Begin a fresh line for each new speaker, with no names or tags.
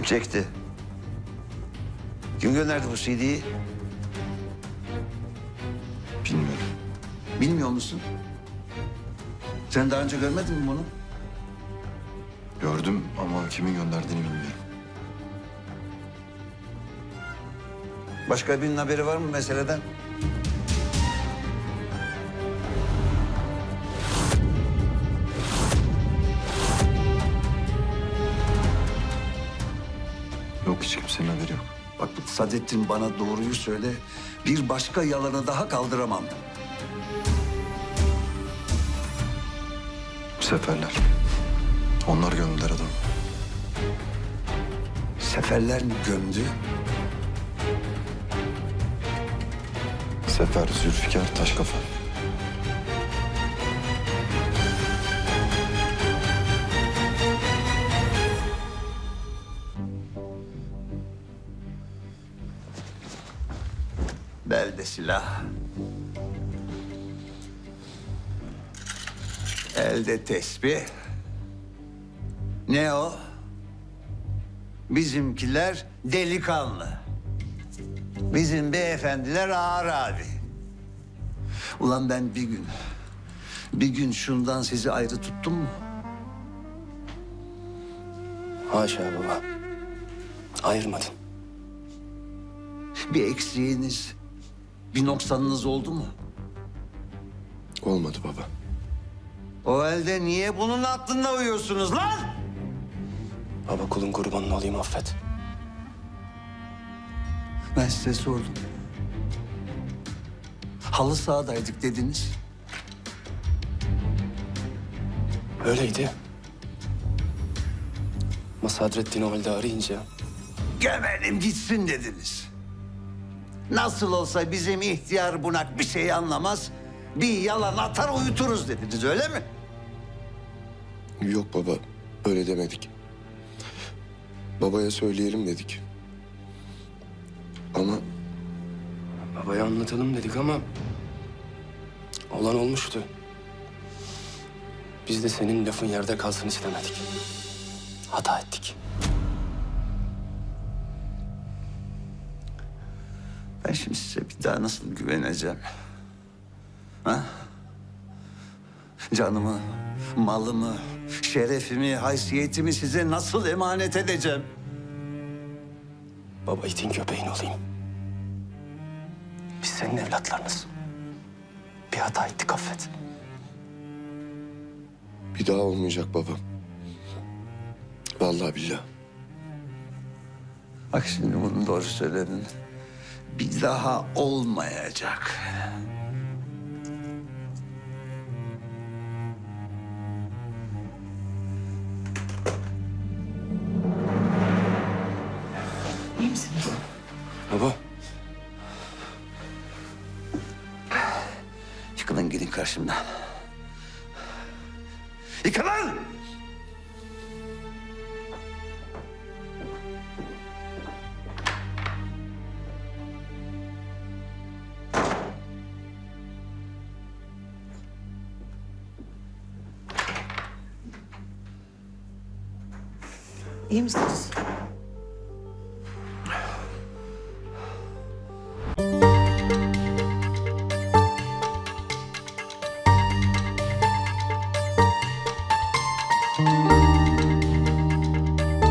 çekti? Kim gönderdi bu CD'yi?
Bilmiyorum.
Bilmiyor musun? Sen daha önce görmedin mi bunu?
Gördüm ama kimin gönderdiğini bilmiyorum.
Başka birinin haberi var mı meseleden?
Yok, hiç kimsenin haberi yok.
Bak Sadettin, bana doğruyu söyle. Bir başka yalanı daha kaldıramam.
Seferler. Onlar gömdüler adamı.
Seferler mi gömdü?
Sefer, Zülfikar, Taşkafa.
Belde silah. Elde tesbih. Ne o? Bizimkiler delikanlı. Bizim beyefendiler ağır abi. Ulan ben bir gün şundan sizi ayrı tuttum mu?
Haşa baba. Ayırmadın.
Bir eksiğiniz, bir noksanınız oldu mu?
Olmadı baba.
O halde niye bunun aklında uyuyorsunuz lan?
Baba kulun kurbanını olayım, affet.
Ben size sordum. Halı sahadaydık dediniz.
Öyleydi. Ama Sadrettin'i o halde arayınca
Gömelim gitsin dediniz. Nasıl olsa bizim ihtiyar bunak bir şey anlamaz. Bir yalan atar uyuturuz dediniz, öyle mi?
Yok baba, öyle demedik. Babaya söyleyelim dedik. Ama
babaya anlatalım dedik ama olan olmuştu. Biz de senin lafın yerde kalsın istemedik. Hata ettik.
Ben şimdi size bir daha nasıl güveneceğim? Ha? Canımı, malımı, şerefimi, haysiyetimi size nasıl emanet edeceğim?
Baba itin köpeğin olayım. Biz senin evlatlarınız. Bir hata ettik, affet.
bir daha olmayacak baba. Vallahi billahi.
Bak şimdi bunu doğru söyledin. Bir daha olmayacak.
İyi misiniz?
Baba.
Yıkılın gidin karşımdan. Yıkılın!
İyi misiniz?